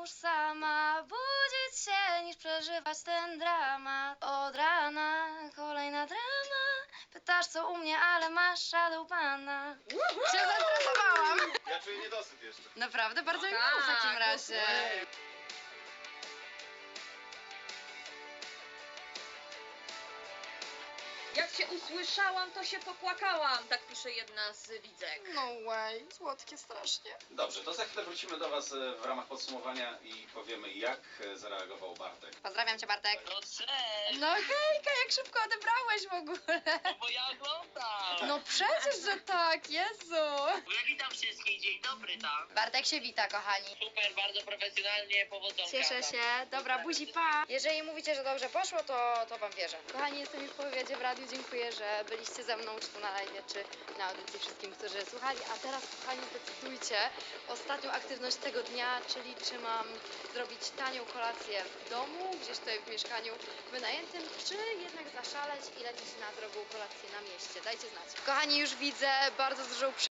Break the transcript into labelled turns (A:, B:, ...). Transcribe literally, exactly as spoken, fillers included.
A: już sama budzić się, niż przeżywać ten dramat. Od rana kolejna drama. Pytasz co u mnie, ale masz shadow pana. Cię zastresowałam.
B: Ja czuję niedosyt jeszcze.
A: Naprawdę? Bardzo mi
C: Tak,
A: miło w takim razie.
C: Jak cię usłyszałam, to się popłakałam. Tak pisze jedna z widzek.
A: No way, słodkie strasznie.
B: Dobrze, to za chwilę wrócimy do Was e, w ramach podsumowania i powiemy, jak e, zareagował Bartek.
A: Pozdrawiam cię, Bartek.
D: No cześć!
A: No hejka, jak szybko odebrałeś w ogóle.
D: No bo ja oglądam!
A: No przecież, że tak, Jezu.
D: Ja witam wszystkich, dzień dobry tam.
A: Bartek się wita, kochani.
D: Super, bardzo profesjonalnie, powodzonka.
A: Cieszę się. Dobra, buzi, pa. Jeżeli mówicie, że dobrze poszło, to, to wam wierzę. Kochani, jestem już po wywiadzie w radiu. Dziękuję, że byliście ze mną, czy tu na live, czy na audycji wszystkim, którzy słuchali. A teraz, kochani, zdecydujcie ostatnią aktywność tego dnia, czyli czy mam zrobić tanią kolację w domu, gdzieś tutaj w mieszkaniu wynajętym, czy jednak zaszaleć i lecieć na drogą kolację na mieście. Dajcie znać. Kochani, już widzę bardzo dużą